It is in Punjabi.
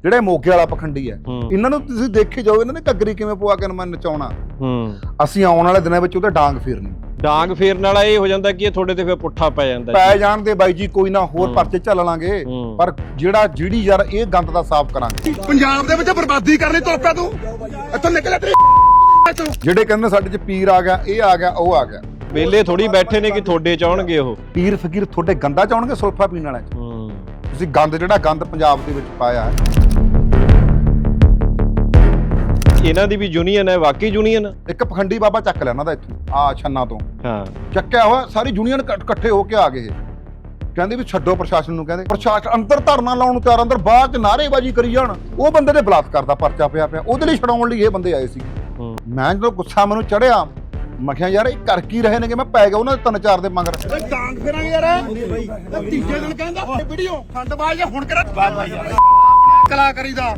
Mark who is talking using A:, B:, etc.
A: ਜਿਹੜੇ ਮੋਗੇ ਵਾਲਾ ਪਖੰਡੀ ਹੈ ਇਹਨਾਂ ਨੂੰ ਤੁਸੀਂ ਦੇਖੇ ਜਾਓ ਇਹਨਾਂ ਨੇ ਘੱਗਰੀ ਕਿਵੇਂ ਪਵਾ ਕੇ ਮੈਂ ਨਚਾਉਣਾ ਅਸੀਂ ਆਉਣ ਵਾਲੇ ਦਿਨਾਂ ਵਿੱਚ ਉਹਦੇ ਡਾਂਗ ਫੇਰਨੀ
B: ਡਾਂਗ ਫੇਰਨ ਵਾਲਾ ਇਹ ਹੋ ਜਾਂਦਾ ਕਿ ਇਹ ਤੁਹਾਡੇ ਤੇ ਫਿਰ ਪੁੱਠਾ ਪੈ ਜਾਂਦਾ
A: ਪੈ ਜਾਣ ਦੇ ਬਾਈ ਜੀ ਕੋਈ ਨਾ ਹੋਰ ਪਰਚੇ ਚੱਲ ਲਾਂਗੇ ਪਰ ਜਿਹੜੀ ਯਾਰ ਇਹ ਗੰਦ ਦਾ ਸਾਫ਼ ਕਰਾਂਗੇ
C: ਪੰਜਾਬ ਦੇ ਵਿੱਚ ਬਰਬਾਦੀ ਕਰਨੀ ਤੁਰ ਪਿਆ ਤੂੰ ਇੱਥੋਂ ਨਿਕਲ ਤੇਰੀ
A: ਜਿਹੜੇ ਕਹਿੰਦੇ ਸਾਡੇ ਚ ਪੀਰ ਆ ਗਿਆ ਇਹ ਆ ਗਿਆ ਉਹ ਆ ਗਿਆ
B: ਵੇਲੇ ਥੋੜੀ ਬੈਠੇ ਨੇ ਕਿ ਤੁਹਾਡੇ ਚ ਆਉਣਗੇ ਉਹ
A: ਪੀਰ ਫਕੀਰ ਤੁਹਾਡੇ ਗੰਦਾ ਚ ਆਉਣਗੇ ਸੁਲਫਾ ਪੀਣ ਵਾਲਿਆਂ ਚ ਤੁਸੀਂ ਗੰਦ ਜਿਹੜਾ ਗੰਦ ਪੰਜਾਬ ਦੇ ਵਿੱਚ ਪਾਇਆ
B: ਇਹਨਾਂ ਦੀ ਵੀ ਯੂਨੀਅਨ ਹੈ ਵਾਕਈ ਯੂਨੀਅਨ
A: ਇੱਕ ਪਖੰਡੀ ਬਾਬਾ ਚੱਕ ਲਿਆ ਉਹਨਾਂ ਦਾ ਇੱਥੋਂ ਆ ਛੰਨਾ ਤੋਂ
B: ਹਾਂ
A: ਚੱਕਿਆ ਹੋਇਆ ਸਾਰੀ ਯੂਨੀਅਨ ਇਕੱਠੇ ਹੋ ਕੇ ਆ ਗਏ ਕਹਿੰਦੇ ਵੀ ਛੱਡੋ ਪ੍ਰਸ਼ਾਸਨ ਨੂੰ ਕਹਿੰਦੇ ਪ੍ਰਸ਼ਾਸਨ ਅੰਦਰ ਧਰਨਾ ਲਾਉਣ ਨੂੰ ਤਿਆਰ ਅੰਦਰ ਬਾਹਰ ਚ ਨਾਅਰੇਬਾਜ਼ੀ ਕਰੀ ਜਾਣ ਉਹ ਬੰਦੇ ਦੇ ਬਲਾਤਕਾਰ ਦਾ ਪਰਚਾ ਪਿਆ ਉਹਦੇ ਲਈ ਛਡਾਉਣ ਲਈ ਇਹ ਬੰਦੇ ਆਏ ਸੀ ਮੈਂ ਜਦੋਂ ਗੁੱਸਾ ਮੈਨੂੰ ਚੜਿਆ ਮੈਂ ਕਿਹਾ ਯਾਰ ਇਹ ਕਰ ਕੀ ਰਹੇ ਨੇ ਕਿ ਮੈਂ ਪੈ ਗਿਆ ਉਹਨਾਂ ਦੇ 3-4 ਦੇ ਮਗਰ
C: ਡਾਂਗ ਫੇਰਾਂਗੇ ਯਾਰ ਤੀਜੇ ਦਿਨ ਕਹਿੰਦਾ ਵੀਡੀਓ ਫੰਡ ਬਾਜ ਹੁਣ ਕਰਾ ਕਲਾਕਾਰੀ ਦਾ